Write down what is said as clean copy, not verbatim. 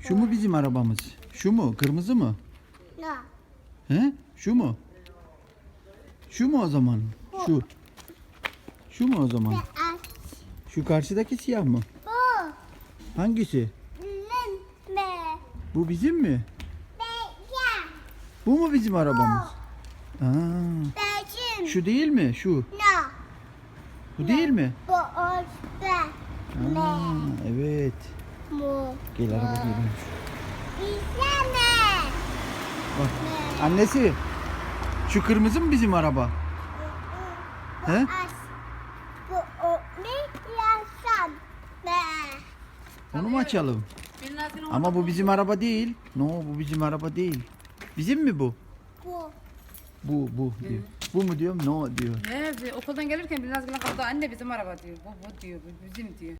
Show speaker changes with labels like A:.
A: Şu mu bizim arabamız? Şu mu? Kırmızı mı?
B: No.
A: He? Şu mu? Şu mu o zaman? Şu. Şu mu o zaman?
B: Beyaz.
A: Şu karşıdaki siyah mı?
B: Bu.
A: Hangisi?
B: Limbe.
A: Bu bizim mi?
B: Beyaz.
A: Bu mu bizim arabamız? Aa,
B: Beyazım.
A: şu değil mi? Şu.
B: No.
A: Bu değil mi?
B: Bu orta.
A: Aa, evet.
B: Mu.
A: Gel araba geliyor.
B: Bize ne?
A: Bak. Annesi. Şu kırmızı mı bizim araba? He?
B: As. Bu o ne yaşam? Ne?
A: Onu mu açalım? Ama bu bizim araba değil. No, bu bizim araba değil. Bizim mi bu?
B: Bu.
A: Bu diyor. Bu mu diyorum? No diyor.
C: Okuldan gelirken biraz kaldı anne bizim araba diyor. Bu diyor, bu bizim diyor.